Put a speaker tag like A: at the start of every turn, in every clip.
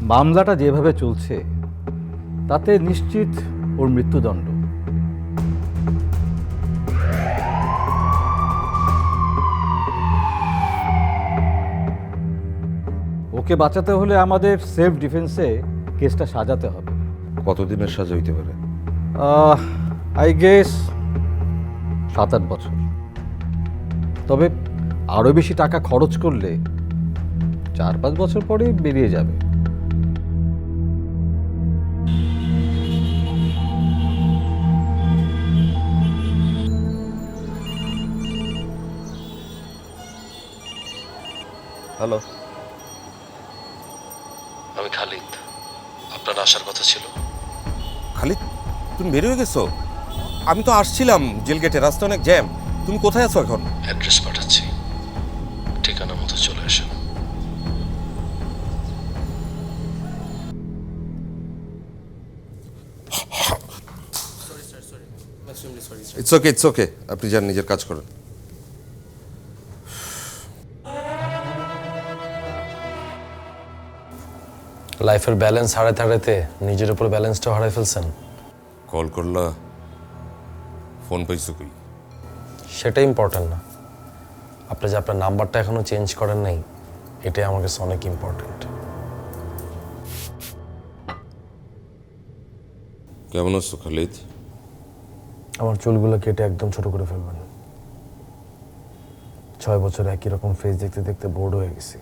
A: মামলাটা যেভাবে চলছে তাতে নিশ্চিত ওর মৃত্যুদণ্ড। ওকে বাঁচাতে হলে আমাদের সেলফ ডিফেন্সে কেসটা সাজাতে হবে।
B: কতদিনের সাজা হইতে পারে?
A: আই গেস 7-8 বছর। তবে আরও বেশি টাকা খরচ করলে 4-5 বছর পরেই বেরিয়ে যাবে।
B: হ্যালো,
C: আমি খালিদ। আপনার আসার কথা ছিল।
B: খালিদ, তুমি বের হয়ে গেছো? আমি তো আসছিলাম জেল গেটে, রাস্তা অনেক জ্যাম। তুমি কোথায় আছো এখন?
C: অ্যাড্রেস পাঠাচ্ছি, ঠিকানা মতো চলে আসেন।
B: ইটস ওকে, ইটস ওকে, আপনি যান, নিজের কাজ করেন।
C: লাইফের ব্যালেন্স হারাতে হারাতে নিজের উপর ব্যালেন্সটাও হারাই ফেলছেন।
B: কল করলা, ফোন পাইছো কই?
C: সেটা ইম্পর্টেন্ট না। আপনি যে আপনার নাম্বারটা এখনো চেঞ্জ করেন নাই, এটাই আমার কাছে অনেক ইম্পর্টেন্ট।
B: কেমন আছো খালিদ?
C: আমার চুলগুলো কেটে একদম ছোট করে ফেলবেন। 6 বছর একই রকম ফেস দেখতে দেখতে বোর্ড হয়ে গেছি।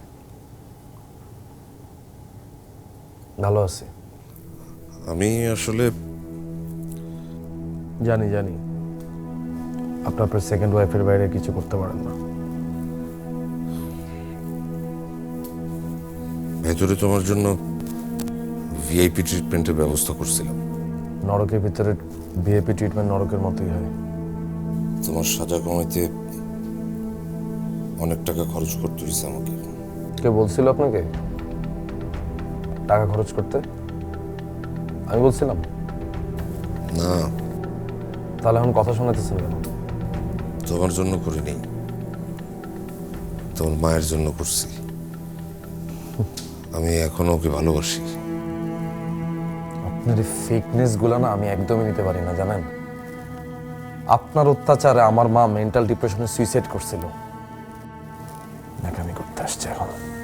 C: ভালো আছি।
B: আমি আসলে
C: জানি জানি আপনার সেকেন্ড ওয়াইফের বাইরে কিছু করতে পারেন না।
B: ভেতরে তোমার জন্য ভিআইপি ট্রিটমেন্টের ব্যবস্থা করছিলাম।
C: নরকের ভিতরে ভিআইপি ট্রিটমেন্ট নরকের মতোই হয়।
B: তোমার সাজা কমাইতে অনেক টাকা খরচ করতে হয়েছে আমাকে।
C: কে বলছিল আপনাকে টাকা খরচ করতে? আমি বলছিলাম?
B: না,
C: তাহলে এখন কথা শোনাতেছেন কেন?
B: তোমার জন্য করিনি, তোমার মায়ের জন্য করছি। আমি এখনো ওকে ভালোবাসি।
C: আপনার এই ফেকনেস গুলো না আমি একদমই নিতে পারি না, জানেন? আপনার অত্যাচারে আমার মা মেন্টাল ডিপ্রেশনে সুইসাইড করছিল। নাকামি করতে আসছে এখন।